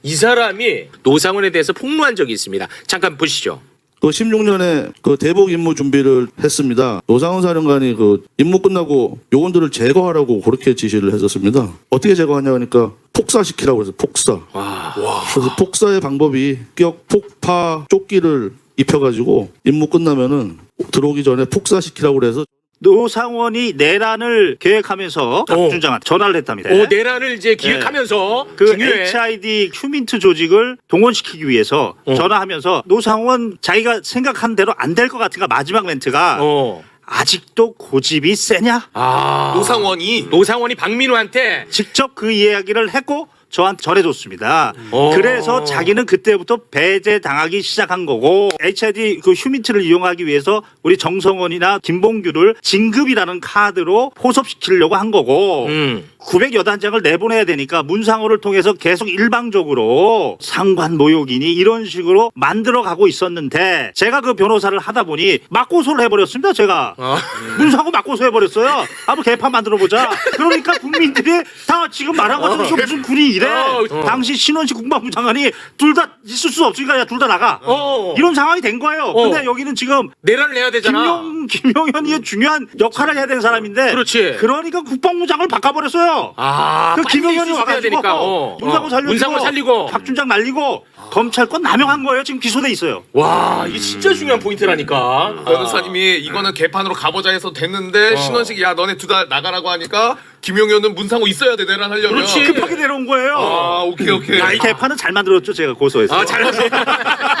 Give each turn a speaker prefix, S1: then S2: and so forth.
S1: 이 사람이 노상원에 대해서 폭로한 적이 있습니다. 잠깐 보시죠.
S2: 그 16년에 그 대북 임무 준비를 했습니다. 노상원 사령관이 그 임무 끝나고 요원들을 제거하라고 그렇게 지시를 했었습니다. 어떻게 제거하냐 하니까 폭사시키라고 해서 폭사. 그래서 폭사의 방법이 격, 폭파, 조끼를 입혀가지고 임무 끝나면은 들어오기 전에 폭사시키라고 그래서
S3: 노상원이 내란을 계획하면서 박준장한테 전화를 했답니다.
S1: 내란을 이제 기획하면서
S3: 그
S1: 중요해.
S3: HID 휴민트 조직을 동원시키기 위해서 전화하면서 노상원 자기가 생각한 대로 안 될 것 같으니까 마지막 멘트가 아직도 고집이 세냐?
S1: 노상원이 박민우한테
S3: 직접 그 이야기를 했고 저한테 전해줬습니다. 그래서 자기는 그때부터 배제당하기 시작한 거고 HID 그 휴민트를 이용하기 위해서 우리 정성원이나 김봉규를 진급이라는 카드로 포섭시키려고 한 거고 900여 단장을 내보내야 되니까 문상호를 통해서 계속 일방적으로 상관 모욕이니 이런 식으로 만들어가고 있었는데 제가 그 변호사를 하다 보니 맞고소를 해버렸습니다. 제가 문상호 맞고소 해버렸어요. 한번 개판 만들어보자. 그러니까 국민들이 다 지금 말한 것처럼 이거 무슨 군이 이래. 당시 신원식 국방부 장관이 둘 다 있을 수 없으니까 둘 다 나가. 이런 상황이 된 거예요. 근데 여기는 지금
S1: 내란을 해야 되잖아.
S3: 김용현이 중요한 역할을 해야 되는 사람인데
S1: 그렇지.
S3: 그러니까 국방부장을 바꿔버렸어요. 그 김용현이 와가지고 문상호 살리고 박준장 날리고 검찰권 남용한 거예요. 지금 기소돼 있어요.
S1: 와, 이게 진짜 중요한 포인트라니까.
S4: 변호사님이 이거는 개판으로 가보자 해서 됐는데 신원식이 야 너네 둘 다 나가라고 하니까 김용현은 문상호 있어야 돼 내란 하려면.
S1: 그렇지.
S3: 급하게 내려온 거예요.
S4: 오케이.
S3: 이 개판은 잘 만들었죠. 제가 고소해서.
S1: 잘하세요.